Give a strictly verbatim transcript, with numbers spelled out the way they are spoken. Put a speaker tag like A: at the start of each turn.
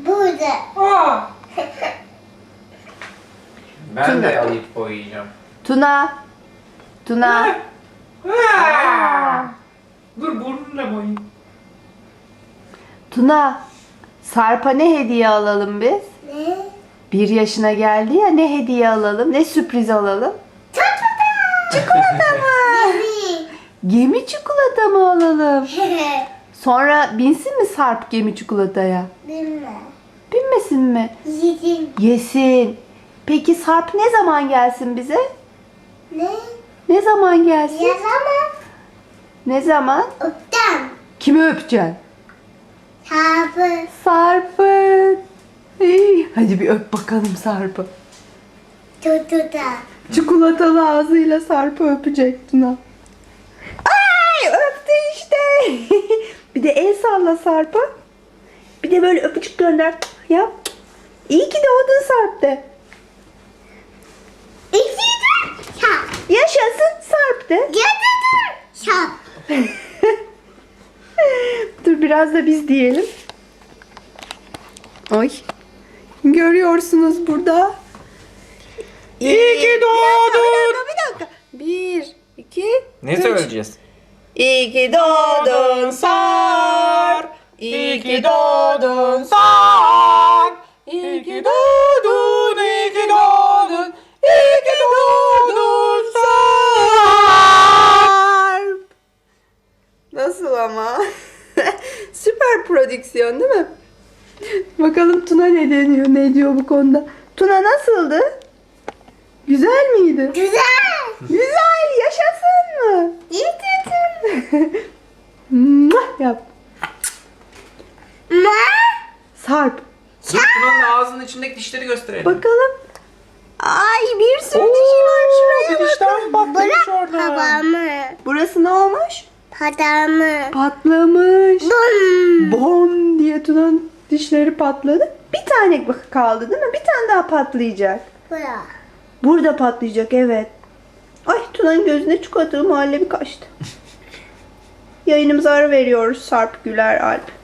A: Burada.
B: Aa! Ben
C: Tuna.
B: de alıp boyayacağım.
C: Tuna. Tuna.
B: Aa! Dur burnumla boyayayım.
C: Tuna. Sarp'a ne hediye alalım biz?
A: Ne?
C: Bir yaşına geldi ya, ne hediye alalım? Ne sürpriz alalım? Çikolata mı?
A: Gemi.
C: Gemi çikolata mı alalım? Sonra binsin mi Sarp gemi çikolataya?
A: Bilme.
C: Binmesin mi?
A: Yedim.
C: Yesin. Peki Sarp ne zaman gelsin bize?
A: Ne?
C: Ne zaman gelsin?
A: Yazama.
C: Ne zaman?
A: Öptem.
C: Kimi öpeceksin?
A: Sabı.
C: Sarp'ı. İyi, hadi bir öp bakalım Sarp'ı.
A: Tutuda.
C: Çikolatalı ağzıyla Sarp'ı öpecek Tuna. Ay, öptü işte. Bir de el salla Sarp'a. Bir de böyle öpücük gönder. Yap. İyi ki doğdun Sarp de.
A: İkisi şap.
C: Yaşasın Sarp de.
A: Götürdüm. Şap.
C: Dur biraz da biz diyelim. Ay. Görüyorsunuz burada.
B: İyi ki doğdun.
C: Bir dakika. Bir, iki,
B: Ne
C: üç.
B: söyleyeceğiz?
C: İyi ki doğdun Sarp. İyi ki doğdun Sarp. İyi ki doğdun, iyi ki doğdun. İyi ki doğdun Sarp. Nasıl ama? Süper prodüksiyon değil mi? Bakalım Tuna ne deniyor, ne diyor bu konuda. Tuna nasıldı? Güzel miydi?
A: Güzel.
C: Güzel, yaşasın mı?
A: Yedim.
C: Mwah, yap.
A: Ne?
C: Sarp.
B: Dur Tuna'nın ağzının içindeki dişleri gösterelim.
C: Bakalım. Ay bir sürü
B: Oo,
C: dişi var şuraya
B: bir dişten
C: bakın.
B: patlamış
A: Bırak
B: orada.
A: babamı.
C: Burası ne olmuş?
A: Padamı.
C: Patlamış.
A: Bum.
C: Bom diye Tuna'nın dişleri patladı. Bir tane kaldı değil mi? Bir tane daha patlayacak.
A: Bırak.
C: Burada patlayacak, evet. Ay Tuna'nın gözüne çikolatalı muhallebi kaçtı. Yayınımıza ara veriyoruz Sarp Güler Alp.